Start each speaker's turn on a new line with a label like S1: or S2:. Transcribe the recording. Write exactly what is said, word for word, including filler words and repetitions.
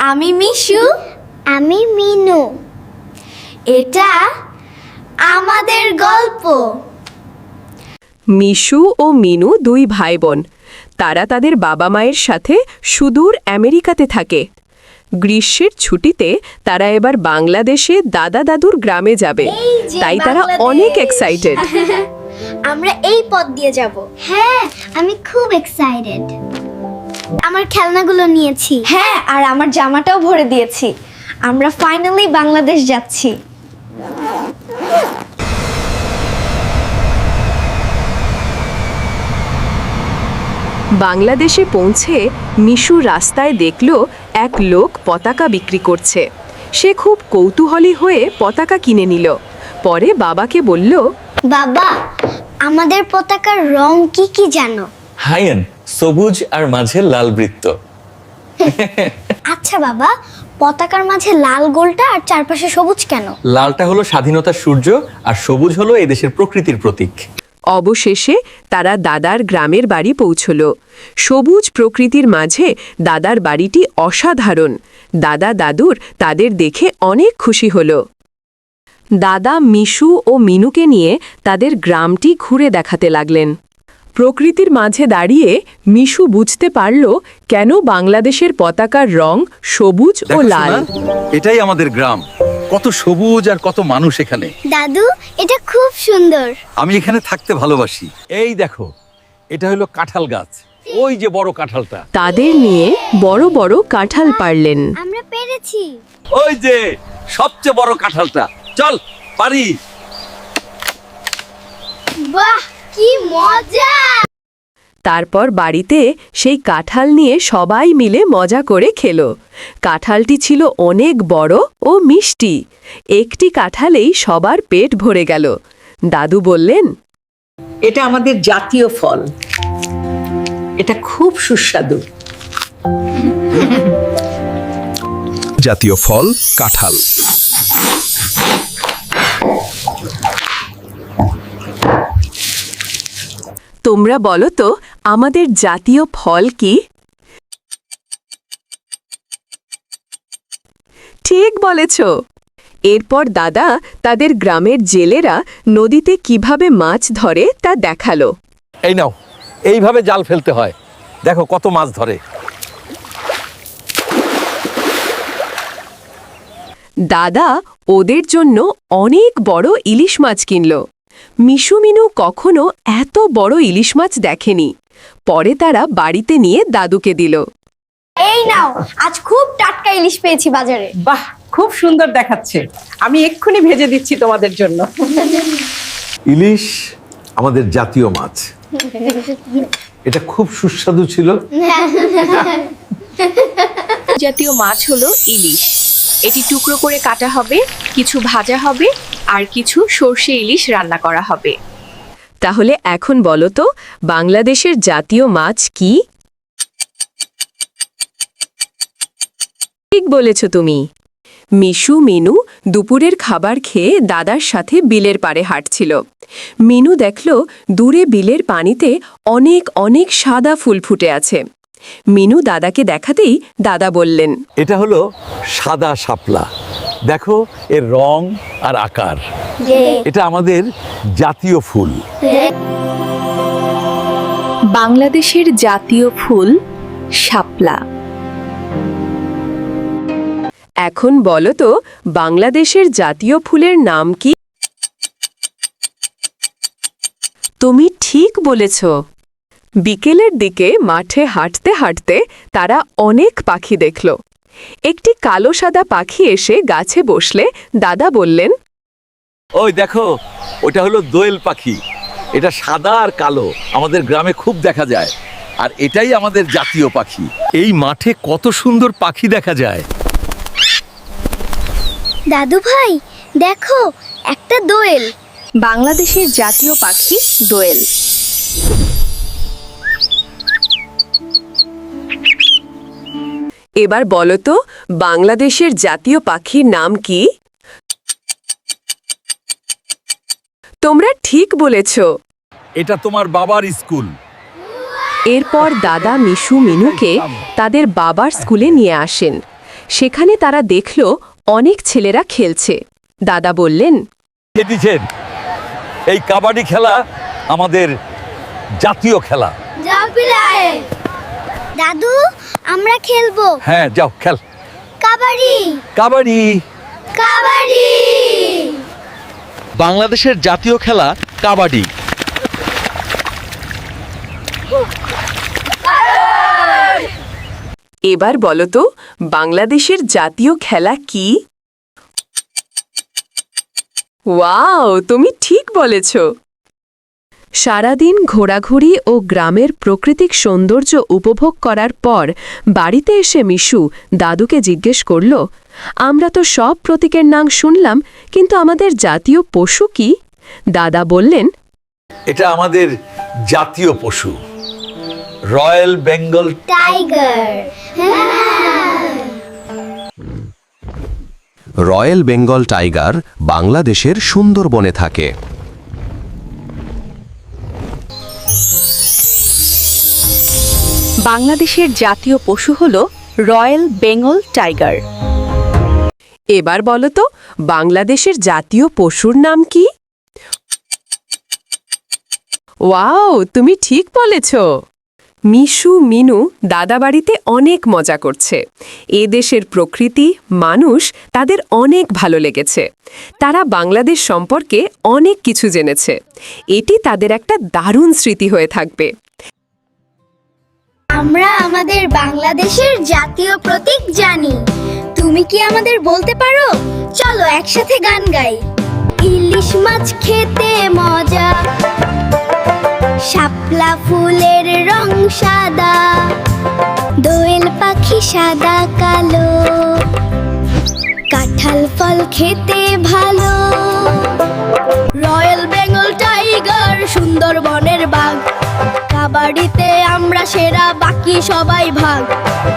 S1: আমি মিশু,
S2: আমি মিনু।
S1: এটা আমাদের গল্প।
S3: মিশু ও মিনু দুই ভাই বোন। তারা তাদের বাবা মায়ের সাথে সুদূর আমেরিকাতে থাকে। গ্রীষ্মের ছুটিতে তারা এবার বাংলাদেশে দাদা দাদুর গ্রামে যাবে,
S1: এই যে
S3: তাই তারা
S1: বাংলাদেশ।
S3: অনেক এক্সাইটেড।
S1: আমরা এই পথ দিয়ে যাব।
S2: হ্যাঁ, আমি খুব এক্সাইটেড। আমার খেলনাগুলো নিয়েছি।
S1: হ্যাঁ, আর আমার জামাটাও ভরে দিয়েছি। আমরা ফাইনালি বাংলাদেশ যাচ্ছি।
S3: বাংলাদেশে পৌঁছে মিশু রাস্তায় দেখল এক লোক পতাকা বিক্রি করছে। সে খুব কৌতূহলী হয়ে পতাকা কিনে নিল। পরে বাবাকে বলল,
S2: বাবা, আমাদের পতাকার রং কি কি জানো?
S4: হাইয়েন, সবুজ আর মাঝে লাল বৃত্ত।
S2: আচ্ছা বাবা, পতাকার মাঝে লাল গোলটা আর চারপাশে সবুজ কেন?
S4: লালটা হলো স্বাধীনতার সূর্য আর সবুজ হলো এই দেশের প্রকৃতির প্রতীক।
S3: অবশেষে তারা দাদার গ্রামের বাড়ি পৌঁছল। সবুজ প্রকৃতির মাঝে দাদার বাড়িটি অসাধারণ। দাদা দাদুর তাদের দেখে অনেক খুশি হল। দাদা মিশু ও মিনুকে নিয়ে তাদের গ্রামটি ঘুরে দেখাতে লাগলেন। প্রকৃতির মাঝে দাঁড়িয়ে মিশু বুঝতে পারল কেন বাংলাদেশের পতাকার রং সবুজ ও
S5: দেখো
S3: লাল।
S5: সোনা, এটাই আমাদের গ্রাম। কত সবুজ আর কত মানুষ এখানে।
S2: দাদু, এটা খুব সুন্দর।
S5: আমি এখানে থাকতে ভালোবাসি। এই দেখো, এটা হলো কাঁঠাল গাছ। ওই যে বড় কাঁঠালটা।
S3: তাদের নিয়ে বড় বড় কাঁঠাল পারলেন।
S2: আমরা পেরেছি।
S5: ওই যে সবচেয়ে বড় কাঁঠালটা। চল পারি।
S2: বাহ, কি মজা!
S3: তারপর বাড়িতে সেই কাঁঠাল নিয়ে সবাই মিলে মজা করে খেল। কাঁঠালটি ছিল অনেক বড় ও মিষ্টি। একটি কাঁঠালেই সবার পেট ভরে গেল। দাদু বললেন,
S6: এটা আমাদের জাতীয় ফল। এটা খুব সুস্বাদু।
S7: জাতীয় ফল কাঁঠাল।
S3: তোমরা বলো তো আমাদের জাতীয় ফল কি? ঠিক বলেছ। এরপর দাদা তাদের গ্রামের জেলেরা নদীতে কিভাবে মাছ ধরে তা দেখালো।
S5: এই নাও, এইভাবে জাল ফেলতে হয়। দেখো কত মাছ ধরে।
S3: দাদা ওদের জন্য অনেক বড় ইলিশ মাছ কিনল। মিশু মিনু কখনো এত বড় ইলিশ মাছ দেখেনি। পরে তারা বাড়িতে নিয়ে দাদুকে দিল।
S1: এই নাও, আজ খুব টাটকা ইলিশ পেয়েছি বাজারে।
S6: বাহ, খুব সুন্দর দেখাচ্ছে। আমি এক্ষুনি ভেজে দিচ্ছি তোমাদের জন্য।
S5: ইলিশ আমাদের জাতীয় মাছ। এটা খুব সুস্বাদু ছিল।
S8: জাতীয় মাছ হলো ইলিশ। এটি টুকরো করে কাটা হবে, কিছু ভাজা হবে আর কিছু সর্ষে ইলিশ রান্না করা হবে।
S3: তাহলে এখন বলো তো বাংলাদেশের জাতীয় মাছ কি? ঠিক বলেছ তুমি। মিশু মিনু দুপুরের খাবার খেয়ে দাদার সাথে বিলের পাড়ে হাঁটছিল। মিনু দেখল দূরে বিলের পানিতে অনেক অনেক সাদা ফুল ফুটে আছে। মিনু দাদাকে দেখাতেই দাদা বললেন,
S5: এটা হলো সাদা শাপলা। দেখো এর রং আর আকার। এটা আমাদের জাতীয় ফুল।
S8: বাংলাদেশের জাতীয় ফুল শাপলা।
S3: এখন বলো তো বাংলাদেশের জাতীয় ফুলের নাম কি? তুমি ঠিক বলেছ। বিকেলের দিকে মাঠে হাঁটতে হাঁটতে তারা অনেক পাখি দেখল। একটি কালো সাদা পাখি এসে গাছে বসলে দাদা বললেন,
S5: ওই দেখো, ওটা হলো দোয়েল পাখি। এটা সাদা আর কালো, আমাদের গ্রামে খুব দেখা যায়। আর এটাই আমাদের জাতীয় পাখি। এই মাঠে কত সুন্দর পাখি দেখা যায়।
S2: দাদু ভাই, দেখো, একটা দোয়েল।
S8: বাংলাদেশের জাতীয় পাখি দোয়েল।
S3: এবার বলো তো বাংলাদেশের জাতীয় পাখির নাম কি? তোমরা ঠিক বলেছ।
S5: এটা তোমার বাবার স্কুল।
S3: এরপর দাদা মিশু মিনুকে তাদের বাবার স্কুলে নিয়ে আসেন। সেখানে তারা দেখল অনেক ছেলেরা খেলছে। দাদা বললেন,
S5: দিচ্ছেন এই কাবাডি খেলা আমাদের জাতীয় খেলা।
S2: দাদু আমরা খেলবো
S5: হ্যাঁ যাও খেল।
S2: কাবাডি
S5: কাবাডি
S2: কাবাডি।
S5: বাংলাদেশের জাতীয় খেলা কাবাডি।
S3: এবার বলো তো বাংলাদেশের জাতীয় খেলা কি? ওয়াও, তুমি ঠিক বলেছ। সারাদিন ঘোরাঘুরি ও গ্রামের প্রাকৃতিক সৌন্দর্য উপভোগ করার পর বাড়িতে এসে মিশু দাদুকে জিজ্ঞেস করল, আমরা তো সব প্রতীকের নাম শুনলাম, কিন্তু আমাদের জাতীয় পশু কি? দাদা বললেন,
S5: এটা আমাদের জাতীয় পশু, royal Bengal
S2: tiger.
S7: Royal Bengal tiger বাংলাদেশের সুন্দরবনে থাকে।
S8: বাংলাদেশের জাতীয় পশু হল রয়্যাল বেঙ্গল টাইগার।
S3: এবার বলো তো বাংলাদেশের জাতীয় পশুর নাম কি? ওয়াও, তুমি ঠিক বলেছ। মিশু মিনু দাদাবাড়িতে অনেক মজা করছে। এ দেশের প্রকৃতি, মানুষ তাদের অনেক ভালো লেগেছে। তারা বাংলাদেশ সম্পর্কে অনেক কিছু জেনেছে। এটি তাদের একটা দারুণ স্মৃতি হয়ে থাকবে।
S2: আমরা আমাদের বাংলাদেশের জাতীয় প্রতীক জানি। তুমি কি আমাদের বলতে পারো? চলো একসাথে গান গাই। ইলিশ মাছ খেতে মজা, শাপলা ফুলের রং সাদা, দোয়েল পাখি সাদা কালো, কাঁঠাল ফল খেতে ভালো, রয়্যাল বেঙ্গল টাইগার সুন্দরবনের বাঘ, কাবাডিতে আমরা সেরা, বাকি সবাই ভাগ।